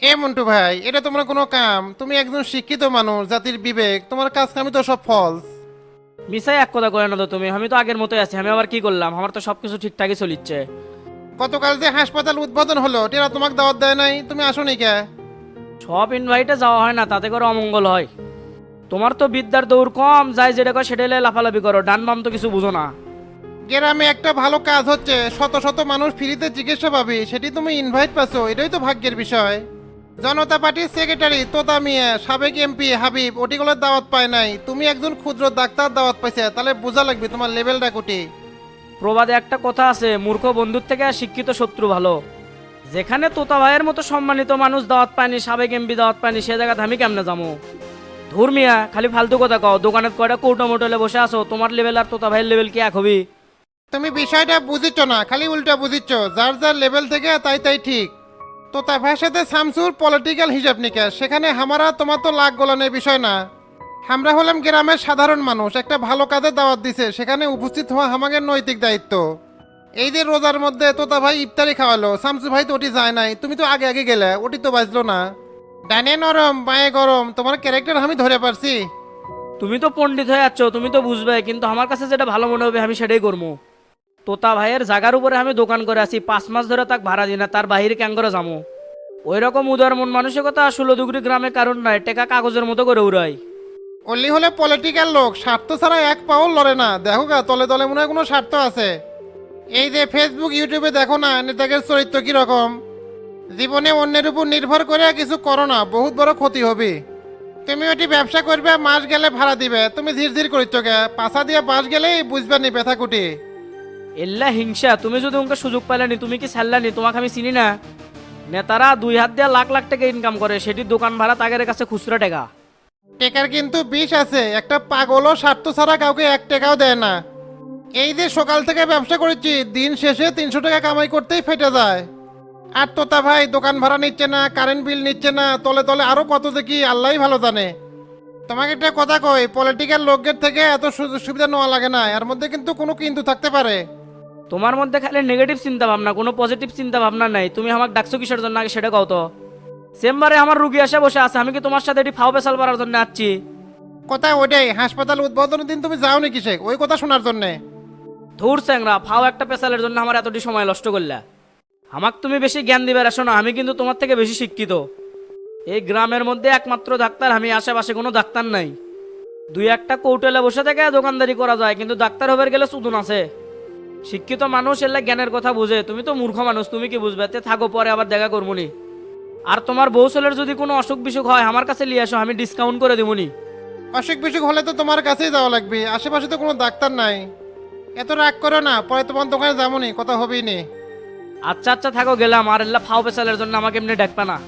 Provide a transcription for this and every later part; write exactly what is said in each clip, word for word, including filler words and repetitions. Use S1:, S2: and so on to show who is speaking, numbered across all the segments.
S1: এ মন্টু ভাই, এটা তোমার কোনো কাম? তুমি একজন শিক্ষিত মানুষ, জাতির বিবেক, তোমার কাজ কামি তো সব ফলস।
S2: মিসাই এক কথা কয়ে না তো তুমি, আমি তো আগের মতোই আছি। আমি আবার কি করলাম? আমার তো সবকিছু ঠিকঠাকই চলিচ্ছে।
S1: গতকাল যে হাসপাতাল উদ্বোধন হলো, টেরা তোমাকে দাওয়াত দেয় নাই, তুমি আসোনি কে?
S2: সব ইনভাইটে যাওয়া হয় না, তাতে করে অমঙ্গল হয়। তোমার তো বিদ্যার দৌড় কম, যাই যেটা কয় সেটা লয়ে লাফালাফি করো, ডান বাম তো কিছু বুঝো না।
S1: গ্রামে একটা ভালো কাজ হচ্ছে, শত শত মানুষ ফ্রিতে চিকিৎসা পাবে, সেটি তুমি ইনভাইট পাচ্ছ, এটাই তো ভাগ্যের বিষয়। জনতা পার্টির সেক্রেটারি তোতা মিয়া, সাবেক এমপি হাবিব, ওটিগুলোর দাওয়াত পায় নাই, তুমি একজন ক্ষুদ্র ডাক্তার দাওয়াত পাইছে, তাহলে বোঝা লাগবে তোমার লেভেলটা কুটি।
S2: প্রবাদে একটা কথা আছে, মূর্খ বন্ধুর থেকে শিক্ষিত শত্রু ভালো। যেখানে তোতা ভাইয়ের মতো সম্মানিত মানুষ দাওয়াত পায়নি, সাবেক এমপি দাওয়াত পায়নি, সে জায়গাতে আমি কেমনে যাবো? ধর্মিয়া খালি ফালতু কথা কও। দোকানের কয়টা কৌটো মোটলে বসে আছো, তোমার লেভেল আর তোতা ভাইয়ের লেভেল কি এক হবি?
S1: তুমি বিষয়টা বুঝিচ্ছ না, খালি উল্টা বুঝিচ্ছ, যার যার লেভেল থেকে তাই তাই ঠিক। তো তার ভাইয়ের সাথে শামসুর পলিটিক্যাল হিসাব নিকাশ, সেখানে হামারা তোমার তো লাখ গোলানের বিষয় না। আমরা হলাম গ্রামের সাধারণ মানুষ, একটা ভালো কাজের দাওয়াত দিছে, সেখানে উপস্থিত হওয়া আমাদের নৈতিক দায়িত্ব। এই যে রোজার মধ্যে তোতা ভাই ইফতারি খাওয়ালো, শামসু ভাই তো ওটি যায় নাই, তুমি তো আগে আগে গেলে, ওটি তো বাজলো না। ডানে নরম বায়ে গরম, তোমার ক্যারেক্টার আমি ধরে পারছি।
S2: তুমি তো পণ্ডিত হয়ে যাচ্ছ, তুমি তো বুঝবে, কিন্তু আমার কাছে যেটা ভালো মনে হবে আমি সেটাই করবো। তোতা ভাইয়ের জায়গার উপরে আমি দোকান করে আছি, পাঁচ মাস ধরে তাক ভাড়া দিই না, তার বাহিরে ক্যাং করে যাবো? ওই রকম উদার মন মানসিকতা ষোলো দুগুরি গ্রামে কারণ নাই, টেকা কাগজের মতো করে উড়াই।
S1: অলি হলে পলিটিক্যাল লোক, স্বার্থ ছাড়া এক পাও লড়ে না, দেখো গা তলে তলে মনে হয় কোনো স্বার্থ আছে। এই যে ফেসবুক ইউটিউবে দেখো না নেতাদের চরিত্র কিরকম। জীবনে অন্যের উপর নির্ভর করে কিছু করো না, বহুত বড় ক্ষতি হবে। তুমি ওটি ব্যবসা করবে, মাস গেলে ভাড়া দিবে, তুমি ধীর ধীর করিচ্ছ গে, পাশা দিয়ে বাস গেলেই বুঝবে নি ব্যথা কুটি।
S2: এল্লা হিংসা, তুমি যদি ওকে সুযোগ পাইলানি, তুমি কি ছাড়লানি? তোমাকে আমি চিনি না? নেতারা দুই হাত দিয়ে লাখ লাখ টাকা ইনকাম করে, সেটি দোকান ভাড়া তাদের কাছে খুচরা টাকা।
S1: টেকার কিন্তু বিষ আছে, একটা পাগলও স্বার্থ ছাড়া কাউকে এক টাকাও দেয় না। এই যে সকাল থেকে ব্যবসা করেছি, দিন শেষে তিনশো টাকা কামাই করতেই ফেটে যায়। আর তোতা ভাই দোকান ভাড়া নিচ্ছে না, কারেন্ট বিল নিচ্ছে না, তলে তলে আরো কত যে কি আল্লাহই ভালো জানে। তোমাকে একটা কথা কই, পলিটিক্যাল লোকদের থেকে এত সুযোগ সুবিধা নেওয়া লাগে না, এর মধ্যে কিন্তু কোনো কিন্তু থাকতে পারে।
S2: তোমার মধ্যে খালি নেগেটিভ চিন্তা ভাবনা, কোনো পজিটিভ চিন্তা ভাবনা নাই। তুমি আমাকে ডাকছো কিসের জন্য আগে সেটা কও তো। চেম্বারে আমার রুগী এসে বসে আছে, আমি কি তোমার সাথে এটি ফাও পেশাল করার জন্য আসছি?
S1: কথা ওইটাই, হাসপাতাল উদ্বোধনের দিন তুমি যাও নি কিসে, ওই কথা শোনার জন্যে?
S2: ধুর চ্যাংরা, ফাও একটা পেশালের জন্য আমার এতটি সময় নষ্ট করলা। আমাকে তুমি বেশি জ্ঞান দিবে আসো না, আমি কিন্তু তোমার থেকে বেশি শিক্ষিত। এই গ্রামের মধ্যে একমাত্র ডাক্তার আমি, আশেপাশে কোনো ডাক্তার নাই। দুই একটা কৌটলে বসে থেকে দোকানদারি করা যায়, কিন্তু ডাক্তার হবার গেলে সুদন আছে। শিক্ষিত মানুষ এলে জ্ঞানের কথা বুঝে, তুমি তো মূর্খ মানুষ, তুমি কি বুঝবে? তে থাকো, পরে আবার দেখা করবনি। আর তোমার বউ ছেলের যদি কোনো অসুখ বিসুখ হয় আমার কাছে নিয়ে আসো, আমি ডিসকাউন্ট করে দেবনি।
S1: অসুখ বিসুখ হলে তো তোমার কাছেই যাওয়া লাগবে, আশেপাশে তো কোনো ডাক্তার নাই। এত রাগ করো না, পরে তোমার দোকানে যাবো নি, কথা হবেই নি।
S2: আচ্ছা আচ্ছা থাকো, গেলাম। আর এল্লা ফাও পেশালের জন্য আমাকে এমনি ডাকবে না।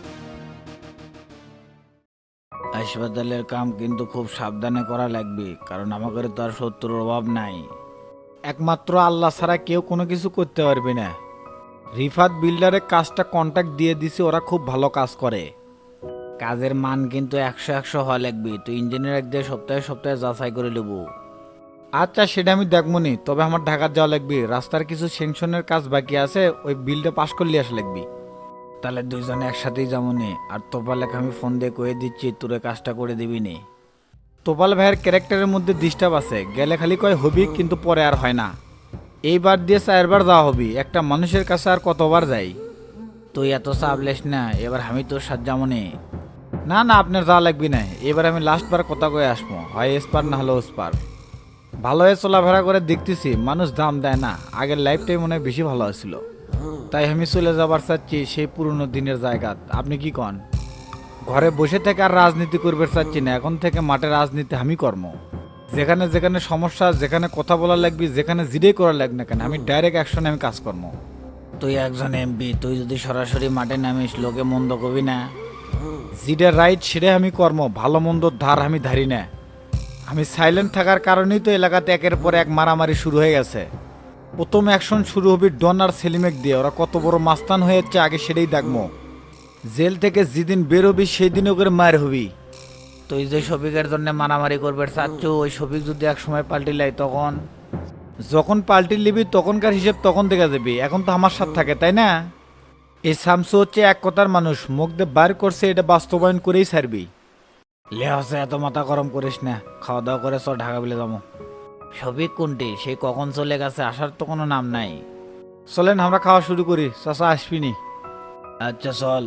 S3: হাসপাতালের কাম কিন্তু খুব সাবধানে করা লাগবে, কারণ আমাদের তো আর শত্রুর অভাব নাই। একমাত্র আল্লাহ ছাড়া কেউ কোনো কিছু করতে পারবে না। রিফাত বিল্ডারের কাজটা কন্ট্যাক্ট দিয়ে দিছি, ওরা খুব ভালো কাজ করে। কাজের মান কিন্তু একশো একশো হওয়া লাগবে, তো ইঞ্জিনিয়ার এক দিয়ে সপ্তাহে সপ্তাহে যাচাই করে নেব। আচ্ছা সেটা আমি দেখবো নি, তবে আমার ঢাকা যাওয়া লাগবে, রাস্তার কিছু সেংশনের কাজ বাকি আছে, ওই বিলটা পাস করলে আসা লাগবে। তাহলে দুইজনে একসাথেই যাবো নে। আর তোপালেকে আমি ফোন দিয়ে কয়ে দিচ্ছি, তোরে কাজটা করে দিবি নে। তোপাল ভাইয়ের ক্যারেক্টারের মধ্যে ডিস্টার্ব আছে, গেলে খালি কয় হবি, কিন্তু পরে আর হয় না। এইবার দিয়ে চারবার যাওয়া হবি, একটা মানুষের কাছে আর কতবার যাই। তুই এত চাপ লেস না, এবার আমি তোর সাথে যাবো নে। না না, আপনার যাওয়া লাগবি না, এবার আমি লাস্টবার কথা কয়ে আসবো, হয় এসপার না হলে ওসপার। ভালো হয়ে চলাফেরা করে দেখতেছি মানুষ দাম দেয় না, আগের লাইফটাই মনে হয় বেশি ভালো হয়েছিল। তাই আমি চলে যাবার চাচ্ছি সেই পুরনো দিনের জায়গা। আপনি কি কন? ঘরে বসে থেকে আর রাজনীতি করবে চাচ্ছি না, এখন থেকে মাঠে রাজনীতি আমি কর্ম। যেখানে যেখানে সমস্যা, যেখানে কথা বলা লাগবে, যেখানে জিডেই করা লাগ না কেন, আমি ডাইরেক্ট অ্যাকশনে আমি কাজ কর্ম। তুই একজন এমপি, তুই যদি সরাসরি মাঠে নামিস লোকে মন্দ কবি না। জিডে রাইট সেটা আমি কর্ম, ভালো মন্দর ধার আমি ধারি না। আমি সাইলেন্ট থাকার কারণেই তো এলাকাতে একের পর এক মারামারি শুরু হয়ে গেছে। প্রথম অ্যাকশন শুরু হবে ডন আর সেলিমেক দিয়ে, ওরা কত বড় মাস্তান হয়ে যাচ্ছে আগে সেটাই দেখবো। জেল থেকে যেদিন বের হবি সেই দিন ওকে মার হবি। তুই যে শফিকের জন্য মারামারি করবে চাচ্ছ, ওই শফিক যদি এক সময় পাল্টি লাই তখন? যখন পাল্টি লিবি তখনকার হিসেব তখন দেখা যাবি, এখন তো আমার সাথে থাকে তাই না? এই শামসু হচ্ছে এক কথার মানুষ, মুখ দিয়ে বার করছে এটা বাস্তবায়ন করেই ছাড়বি। লে হসে এত মাথা গরম করিস না, খাওয়া দাওয়া করে চ ঢাকা বিলে যাবো। সবই কোনটি সে কখন চলে গেছে, আসার তো কোনো নাম নাই। চলেন আমরা খাওয়া শুরু করি, চাচা আসবিনি। আচ্ছা চল।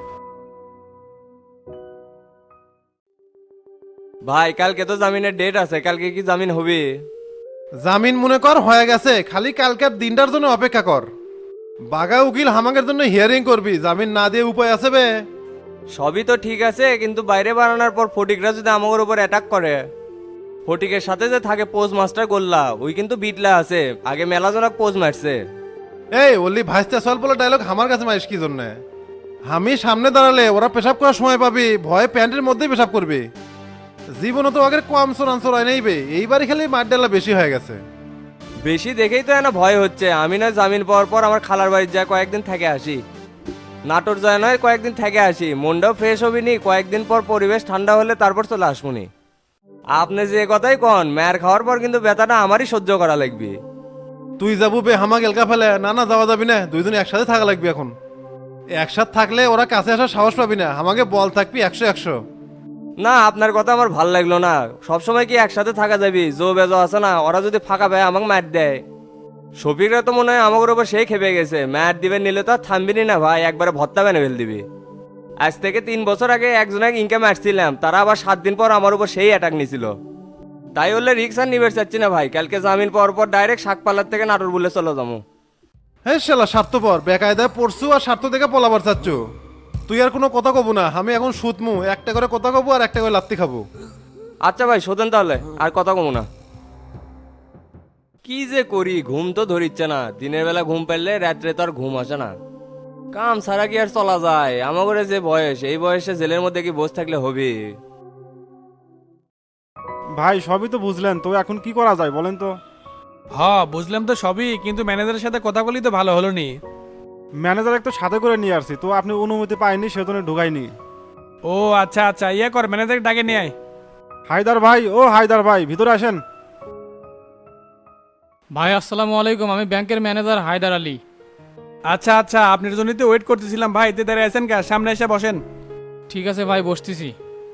S4: ভাই কালকে তো জামিনের ডেট আছে, কালকে কি জামিন হবে?
S1: জামিন মনে কর হয়ে গেছে, খালি কালকের দিনটার জন্য অপেক্ষা কর। বাগা উকিল হামাকের জন্য হিয়ারিং করবি, জামিন না দিয়ে উপায় আছে বে?
S4: সবই তো ঠিক আছে, কিন্তু বাইরে বানানোর পর ফটিকরা যদি আমার উপর অ্যাটাক করে। ফটিকের সাথে যে থাকে পোজ মাস্টার গোল্লা, ওই কিন্তু বিটলা আছে, আগে মেলাজনক পোজ মারছে।
S1: এই ওলি ভাইস্তা সল বলে ডায়লগ আমার কাছে মারিস কি জন্য? আমি সামনে দাঁড়ালে ওরা পেশাব করার সময় পাবি, ভয়ে প্যান্টের মধ্যেই পেশাব করবি। জীবনে তো আগের কম চোরাঞ্চর হয় নেইবে, এইবারই খালি মার ডালা বেশি হয়ে গেছে।
S4: বেশি দেখেই তো এনা ভয় হচ্ছে। আমি নয় জামিন পাওয়ার পর আমার খালার বাড়ি যায় কয়েকদিন থেকে আসি, নাটোর যায় নয় কয়েকদিন থেকে আসি, মনটাও ফ্রেশ হবি নি, কয়েকদিন পর পরিবেশ ঠান্ডা হলে তারপর চলে আসবনি। আপনি যে কথাই কন, ম্যার খাওয়ার পর কিন্তু ব্যথাটা আমারই সহ্য করা লাগবে।
S1: তুই যাবো বে হামাক এলকা ফেলে? না না যাওয়া যাবি না, দুইজন একসাথে থাকা লাগবে এখন। একসাথে থাকলে ওরা কাছে আসার সাহস পাবি না, আমাকে বল থাকবি একশো একশো।
S4: না আপনার কথা আমার ভাল লাগলো না, সবসময় কি একসাথে থাকা যাবি? জো বেজো আছে না, ওরা যদি ফাঁকা পায় আমাকে ম্যাট দেয়। শফিকরা তো মনে হয় আমার উপর সেই খেপে গেছে, ম্যাট দিবে নিলে তো আর থামবিনি না ভাই, একবারে ভত্তা বেনে ফেল দিবি। আজ থেকে তিন বছর আগে একজনের ইনকাম আসছিলাম, তারা আবার সাত দিন পর আমার উপর সেই অ্যাটাক নিছিল। তাই হলে রিক্স আর নিবে চাচ্ছি না ভাই, কালকে জামিন পাওয়ার পর ডাইরেক্ট শাকপালার থেকে নাটোর বলে চলে যাবো।
S1: হ্যাঁ শালা স্বার্থপর, বেকায়দায় পড়ছু আর স্বার্থ থেকে পলাবার চাচ্ছ। তুই আর কোনো কথা কব না, আমি এখন সুতমু, একটা করে কথা কব আর একটা করে লাত্তি খাবো।
S4: আচ্ছা ভাই শোধেন তাহলে, আর কথা কমু না। কি যে করি, ঘুম তো ধরিচ্ছে না, দিনের বেলা ঘুম পেলে রাত্রে তো আর ঘুম আসে না। কাম সারা কি আর চলা যায়? আমাদের যে বয়স, এই বয়সে জেলের মধ্যে কি বসে থাকলে হবে?
S5: ভাই সবই তো বুঝলেন, তো এখন কি করা যায় বলেন তো?
S6: হ্যাঁ বুঝলাম তো সবই, কিন্তু ম্যানেজারের সাথে কথা বলি তো ভালো হলো নি।
S5: ম্যানেজার একটু সাথে করে নিয়ে আসছি, তো আপনি অনুমতি পাইনি সেজন্য ঢুকাইনি।
S6: ও আচ্ছা আচ্ছা, ইয়ে কর ম্যানেজার ডাকে নিয়ে আয়।
S5: হায়দার ভাই, ও হায়দার ভাই ভিতরে আসেন।
S7: ভাই আসসালামু আলাইকুম, আমি ব্যাংকের ম্যানেজার হায়দার আলী।
S6: আচ্ছা আচ্ছা, আপনার জন্যই তো ওয়েট করতেছিলাম ভাই, এতে দাঁড়িয়ে আছেন কা? সামনে এসে বসেন।
S7: ঠিক আছে ভাই, বসতেছি।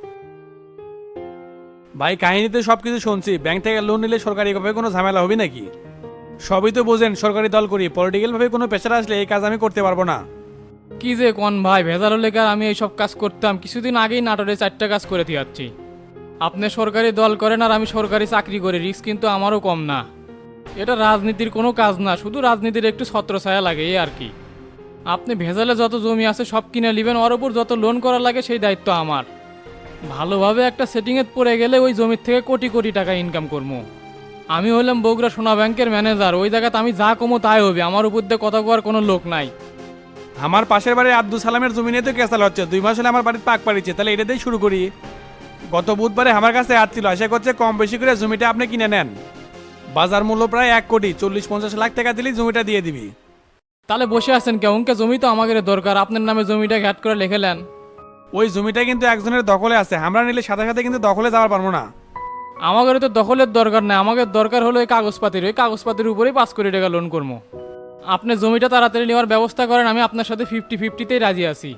S6: ভাই কাহিনীতে সব কিছু শুনছি, ব্যাংক থেকে লোন নিলে সরকারিভাবে কোনো ঝামেলা হবে নাকি? সবই তো বোঝেন, সরকারি দল করি, পলিটিক্যাল ভাবে কোনো প্রেশার আসলে এই কাজ আমি করতে পারবো না।
S7: কি যে কোন ভাই, ভেজাল হলে কার আমি এইসব কাজ করতাম? কিছুদিন আগেই নাটোরে চারটা কাজ করে দিয়াচ্ছি। আপনি সরকারি দল করেন আর আমি সরকারি চাকরি করি, রিস্ক কিন্তু আমারও কম না। এটা রাজনীতির কোনো কাজ না, শুধু রাজনীতির একটু ছত্রছায়া লাগে এই আর কি। আপনি ভেজালে যত জমি আছে সব কিনে নেবেন, ওর উপর যত লোন করা লাগে সেই দায়িত্ব আমার। ভালোভাবে একটা সেটিংয়ে পড়ে গেলে ওই জমির থেকে কোটি কোটি টাকা ইনকাম করবো। আমি হলাম বগুড়া সোনা ব্যাংকের ম্যানেজার, ওই জায়গাতে আমি যা কমো তাই হবে, আমার উপর দিয়ে কথা কোয়ার কোনো লোক নাই।
S6: আমার পাশের বাড়ির আব্দুল সালামের জমি নিয়ে তো কেসাল হচ্ছে, দুই মাস হলে আমার বাড়ির পাক পাড়িছে, তাহলে এটা দিয়ে শুরু করি। গত বুধবারে আমার কাছে আসছিল, আশা করছে কম বেশি করে জমিটা আপনি কিনে নেন। বাজার মূল্য প্রায় এক কোটি চল্লিশ পঞ্চাশ লাখ টাকা দিলেই জমিটা দিয়ে দিবি।
S7: তাহলে বসে আছেন কেউ? উনকে জমি তো আমাদের দরকার, আপনার নামে জমিটা ঘ্যাট করে লিখেলেন।
S6: ওই জমিটা কিন্তু একজনের দখলে আছে, আমরা নিলে সাথে সাথে কিন্তু দখলে যাওয়ার পারবো না।
S7: আমাদের তো দখলের দরকার নাই, আমাদের দরকার হলো এই কাগজপাতির, ওই কাগজপাতির উপরেই পাঁচ কোটি টাকা লোন করবো। আপনি জমিটা তাড়াতাড়ি নেওয়ার ব্যবস্থা করেন, আমি আপনার সাথে ফিফটি ফিফটিতেই রাজি আছি।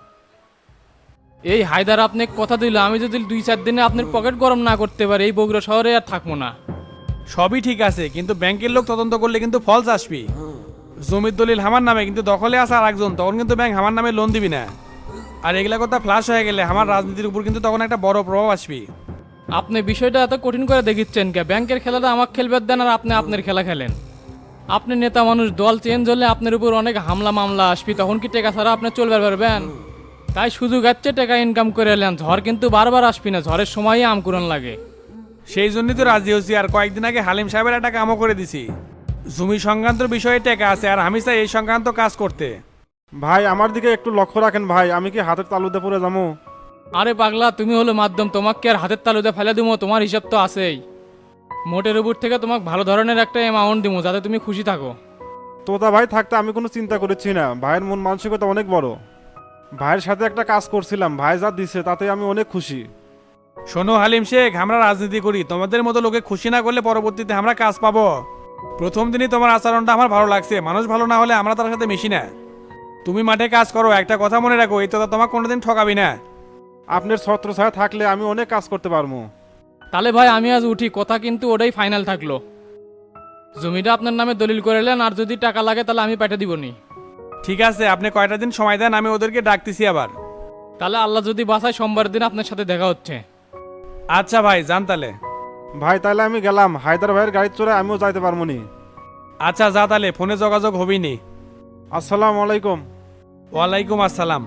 S7: এই হায়দার আপনি কথা দিল, আমি যদি দুই চার দিনে আপনার পকেট গরম না করতে পারি এই বগুড়া শহরে আর থাকবো না।
S6: সবই ঠিক আছে, কিন্তু ব্যাংকের লোক তদন্ত করলে কিন্তু ফলস আসবি। জমির দলিল আমার নামে, কিন্তু দখলে আসা আর একজন, তখন কিন্তু ব্যাংক আমার নামে লোন দিবি না। আর এগুলা কথা ফ্লাশ হয়ে গেলে আমার রাজনীতির উপর কিন্তু তখন একটা বড় প্রভাব আসবি।
S7: আপনি বিষয়টা এত কঠিন করে দেখিচ্ছেন কে? ব্যাংকের খেলাটা আমাকে খেলবে দেন আর আপনি আপনার খেলা খেলেন। আপনি নেতা মানুষ, দল চেঞ্জ হলে আপনার উপর অনেক হামলা মামলা আসবি, তখন কি টাকা ছাড়া আপনি চলবে পারবেন? তাই সুযোগ আছে টাকা ইনকাম করে এলেন, ঝড় কিন্তু বারবার আসবি না, ঝড়ের সময়ই আমকুরন লাগে।
S6: সেই জন্যই তো রাজি হচ্ছি। আর কয়েকদিন আগে হালিম সাহেবের একটা কামও করে দিছি, জমি সংক্রান্ত বিষয়ে টাকা আছে, আর আমি চাই এই সংক্রান্ত কাজ করতে।
S5: ভাই আমার দিকে একটু লক্ষ্য রাখেন ভাই, আমি কি হাতের তালুতে পড়ে যাবো?
S7: আরে পাগলা, তুমি হলো মাধ্যম, তোমাকে আর হাতের তালুতে ফেলে দিবো? তোমার হিসাব তো আছেই। মোটের উপর থেকে তোমাকে ভালো ধরনের একটা অ্যামাউন্ট দিব, যাতে তুমি খুশি থাকো।
S5: তোতা ভাই থাকতে আমি কোনো চিন্তা করেছি না, ভাইয়ের মন মানসিকতা অনেক বড়। ভাইয়ের সাথে একটা কাজ করছিলাম, ভাই যা দিছে তাতে আমি অনেক খুশি।
S6: শোনো হালিম শেখ, আমরা রাজনীতি করি, তোমাদের মতো লোকে খুশি না করলে পরবর্তীতে আমরা কাজ পাবো। প্রথম দিনই তোমার আচরণটা আমার ভালো লাগছে, মানুষ ভালো না হলে আমরা তার সাথে মিশি না। তুমি মাঠে কাজ করো, একটা কথা মনে রাখো, এই তো তোমাকে কোনোদিন ঠকাবি না।
S5: আপনার ছত্র ছায়া থাকলে আমি অনেক কাজ করতে পারবো।
S7: তাহলে ভাই আমি আজ উঠি, কথা কিন্তু ওটাই ফাইনাল থাকলো। জমিটা আপনার নামে দলিল করে নেন, আর যদি টাকা লাগে তাহলে আমি পাঠিয়ে দিবনি।
S6: ঠিক আছে, আপনি কয়টা দিন সময় দেন, আমি ওদেরকে ডাকতেছি আবার।
S7: তাহলে আল্লাহ যদি বাসায় সোমবার দিন আপনার সাথে দেখা হচ্ছে।
S6: আচ্ছা ভাই, যান তাহলে।
S5: ভাই তাহলে আমি গেলাম, হায়দার ভাইয়ের গাড়ি চড়ে আমিও যাইতে পারবো নি।
S6: আচ্ছা যা তাহলে, ফোনে যোগাযোগ হবি নি।
S5: আসসালামু আলাইকুম।
S6: ওয়ালাইকুম আসসালাম।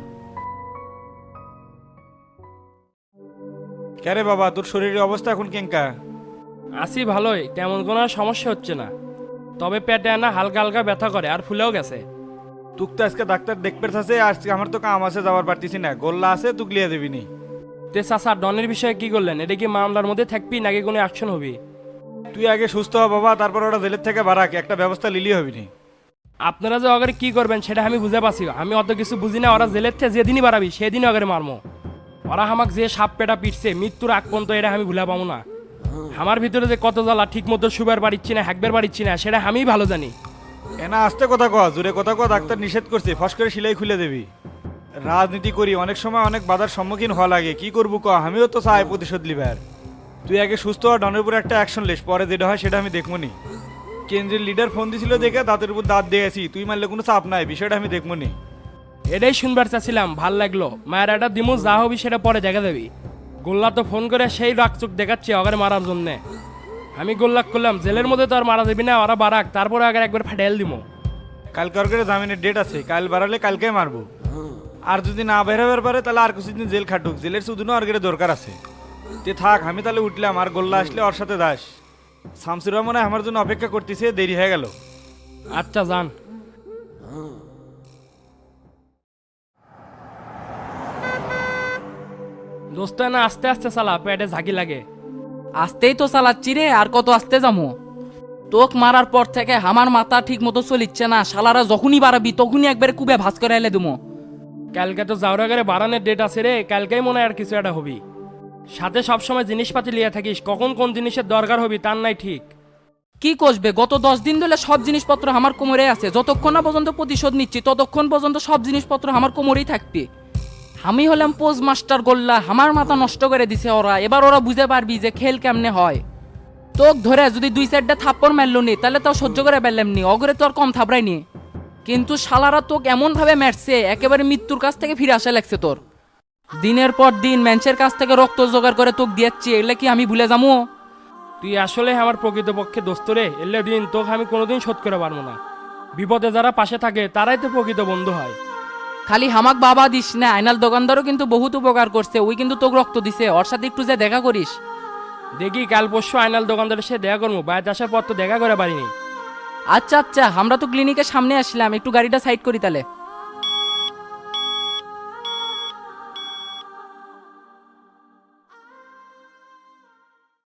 S3: কেরে বাবা, তোর শরীরের অবস্থা এখন কেঙ্কা?
S2: আসি ভালোই, তেমন কোনো আর সমস্যা হচ্ছে না, তবে পেটে না হালকা হালকা ব্যথা করে আর ফুলেও গেছে।
S3: তুক তো আজকে ডাক্তার দেখতে আছে, আজকে আমার তো কাম আছে, যাওয়ার পারতেছি না। গোল্লা আছে, তুক লিয়ে দেবি নি।
S2: তে চাচা ডনের বিষয়ে কি করলেন? এটা কি মামলার মধ্যে থাকবি নাকি কোনো অ্যাকশন হবি?
S3: তুই আগে সুস্থ হ বাবা, তারপর ওরা জেলের থেকে বারাক, একটা ব্যবস্থা লিলি হবি নি।
S2: আপনারা যে অগারে কি করবেন সেটা আমি বুঝে পাচ্ছি, আমি অত কিছু বুঝি না। ওরা জেলের থেকে যেদিনই বাড়াবি সেদিনই অগারে মারমো। ওরা আমাকে যে সাপ পেটা পিটছে মৃত্যুর আগ পর্যন্ত, এটা আমি ভুলে পাবো না। আমার ভিতরে যে কত জ্বালা, ঠিক মতো শুবার পারিচ্ছি না, হ্যাকবার পারিচ্ছি না, সেটা আমিই ভালো জানি।
S3: এনা আস্তে কথা কয়া, জোরে কথা কয়া, ডাক্তার নিষেধ করছে, ফস করে সিলাই খুলে দেবি। রাজনীতি করি, অনেক সময় অনেক বাধার সম্মুখীন হওয়া লাগে, কি করবো ক, আমিও তো চাই প্রতিশোধ লিবার। তুই আগে সুস্থ হওয়া, ডনের উপর একটা অ্যাকশন লিস, পরে যেটা হয় সেটা আমি দেখবো নি। কেন্দ্রের লিডার ফোন দিছিল দেখে দাঁতের উপর দাঁত দিয়েছি, তুই মারলে কোনো চাপ নাই, বিষয়টা আমি দেখবো নি।
S2: এটাই শুনবার চাচ্ছিলাম, ভাল লাগলো। মায়ের একটা দিমু, যা হবি সেটা পরে দেখা দেবি। গোল্লা তো ফোন করে সেই রাগচুক দেখাচ্ছে অগারে মারার জন্যে। আমি গোল্লাক করলাম জেলের মধ্যে তো আর মারা দেবি না, ওরা বারাক, তারপরে আগে একবার ফাটাইল দিমো।
S3: কালকে ওর করে জামিনের ডেট আছে, কাল বাড়ালে কালকে মারবো। আর যদি না বেরোবার পারে তাহলে আর কিছুদিন জেল খাটুক, জেলের শুধুনো আর গেলে দরকার আছে। তে থাক, আমি তাহলে উঠলাম, আর গোল্লা আসলে ওর সাথে দাস। শামসুর রহমান আমার জন্য অপেক্ষা করতেছে, দেরি হয়ে গেল।
S2: আচ্ছা যান। দোস্ত না আস্তে আস্তে চালা, পেটে ঝাঁকি লাগে।
S8: আস্তেই তো চালাচ্ছি রে, আর কত আস্তে যাবো? তোক মারার পর থেকে আমার মাথা ঠিক মতো চলিচ্ছে না, শালারা যখনই বাড়াবি তখনই একবারে কুবে ভাস করে এলে দুমো।
S2: কালকে তো যাওয়ার আগে বারানের ডেট আছে রে, কালকেই মনে হয় আর কিছু একটা হবি। সাথে সবসময় জিনিসপাতি লিয়ে থাকিস, কখন কোন জিনিসের দরকার হবি তার নাই ঠিক।
S8: কি কষবে, গত দশ দিন ধরে সব জিনিসপত্র আমার কোমরে আছে, যতক্ষণ না পর্যন্ত প্রতিশোধ নিচ্ছি ততক্ষণ পর্যন্ত সব জিনিসপত্র আমার কোমরেই থাকবে। আমি হলাম পোজ মাস্টার গোল্লা, আমার মাথা নষ্ট করে দিছে ওরা। এবার ওরা বুঝে পারবি যে খেল কেমনে হয়। তোক ধরে যদি দুই চারটা থাপ্পড় মারলো নি তাহলে তাও সহ্য করে পারলাম নি, অগরে তো আর কম থাপড়াইনি। কিন্তু শালারা তোক এমন ভাবে মারছে একেবারে মৃত্যুর কাছ থেকে ফিরে আসা লাগছে তোর। দিনের পর দিন ম্যানসের কাছ থেকে রক্ত জোগাড় করে তোক দিয়েছি, এগুলো কি আমি ভুলে যাবো?
S2: তুই আসলে আমার প্রকৃতপক্ষে দোস্ত রে, এলে দিন তোকে আমি কোনোদিন শোধ করে পারবো না। বিপদে যারা পাশে থাকে তারাই তো প্রকৃত বন্ধু হয়।
S8: খালি হামাক বাবা দিস না, আইনাল দোকানদারও কিন্তু বহুত উপকার করছে, ওই কিন্তু তোকে রক্ত দিছে, ওর সাথে একটু যে দেখা করিস।
S2: দেখি কাল পরশু আইনাল দোকানদারের সাথে দেখা করবো, বাইরে আসার পর তো দেখা করে পারিনি।
S8: আচ্ছা আচ্ছা, আমরা তো ক্লিনিকের সামনে আসলাম, একটু গাড়িটা সাইড করি তাহলে।